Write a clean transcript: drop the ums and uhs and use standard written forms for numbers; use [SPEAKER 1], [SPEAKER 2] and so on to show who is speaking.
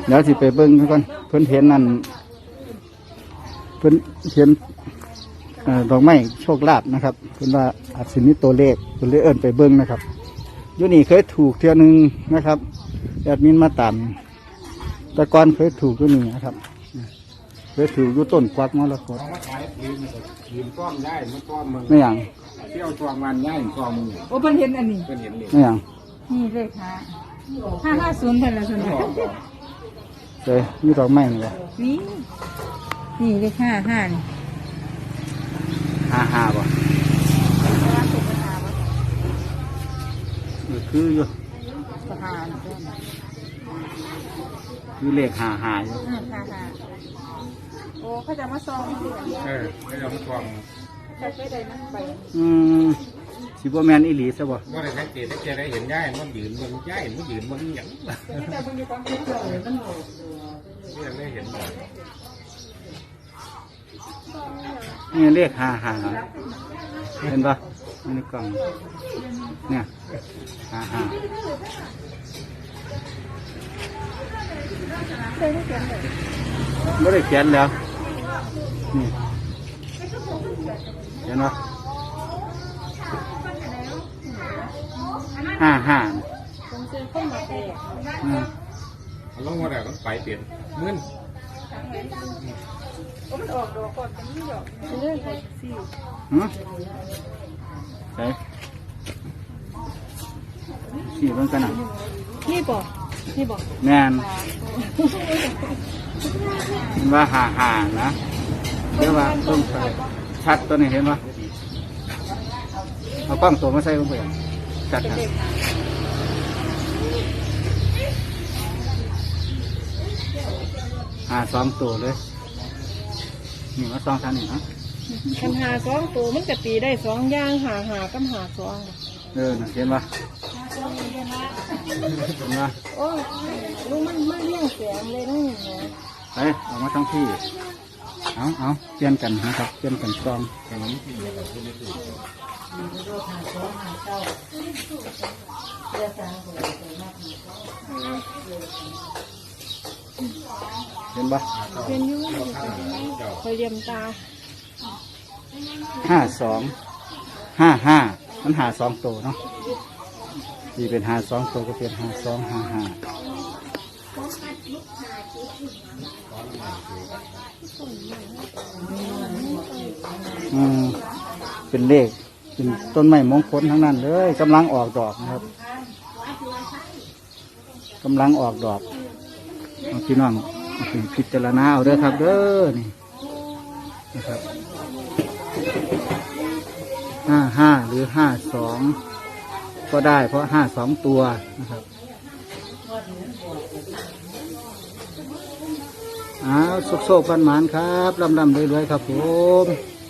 [SPEAKER 1] เดี๋ยวสิไปเบิ้งก่อนเพิ่นเห็นนั่นเพิ่นเห็นดอกไม้โชคลาภนะครับเพิ่นว่าอาจสิมีตัวเลขเพิ่นเลยเอิ้นไปเบิ้งนะครับอยู่นี่เคยถูกเที่ยวนึงนะครับแอดมินมาตามแต่ก่อนเคยถูกอยู่นี่นะครับเคยถูกอยู่ต้นกวักมรกต
[SPEAKER 2] ยืมก้อมได้ไม่ก้อมมึง
[SPEAKER 1] ไม่อย่าง
[SPEAKER 2] เที่ยวตัวมันย่ายก้อมมึง
[SPEAKER 3] โอ้เพิ่นเห็นอันนี้
[SPEAKER 2] เพิ่นเห็นเลย
[SPEAKER 1] ไม่อย่าง
[SPEAKER 3] นี่เลข550เพิ่นละส่วนใหญ่
[SPEAKER 1] เลยมีดอกไม้นี่แหละ
[SPEAKER 3] นี่เลข55นี่
[SPEAKER 1] 55บ่คืออยู่มีเลข55อยู่
[SPEAKER 3] โอ้เขาจะมาซอง
[SPEAKER 2] ไม่ยอมก้อม
[SPEAKER 3] ไปได้นั่งไป
[SPEAKER 1] สิบ่แม่นอีหลีซะบ่
[SPEAKER 2] ว่าได้สังเกตได้เห็นย่ายมันยืนมันย่ายมันยืนมันหยังยังได้เห็น
[SPEAKER 1] นี่เลข55เห็นป่ะในกล่องเนี่ย55ไม่ได้เขียนแล้วนี่เห็นป่ะ55
[SPEAKER 2] ลงมาแล้วมันไปเปลี่ยนมึน
[SPEAKER 3] มันออกดอกก่อนมันไม่ดอกเรื่องอะไรสิ
[SPEAKER 1] ใช่สี่เบิ่งกันนะ
[SPEAKER 3] นี่บอก
[SPEAKER 1] แม่นว่าห่านะเรียกว่าต้นไทรชัดตัวนี้เห็นป่ะเอากล้องตัวมาใส่ลงไปชัดนะ2 ตัวเลยนี่มา2 ท่านนี่นะ
[SPEAKER 3] คัน2 ตัวมันจะตีได้2อย่างหากับหา2
[SPEAKER 1] น่ะเห็นป่ะเห็นป่ะ
[SPEAKER 3] โอ้ลูกมันเลี้ยงแสงเลยนะ
[SPEAKER 1] ไปออกมาทั้งที่เอาเปลี่ยนกันนะครับเปลี่ยนกันกล้องเห็นป่ะ
[SPEAKER 3] เป็นยุ่งคอยเรียมตา
[SPEAKER 1] 5255มัน2 ตัวเนาะที่เป็น2 ตัวก็เป็น5255เป็นเลขเป็นต้นไม้มงคลทั้งนั้นเลยกำลังออกดอกนะครับกำลังออกดอกพี่น้องพิจารณาเอาเด้อครับเด้อนี่นะครับ55หรือ52ก็ได้เพราะ52 ตัวนะครับโชคๆกันหมานครับลำรวยๆครับผม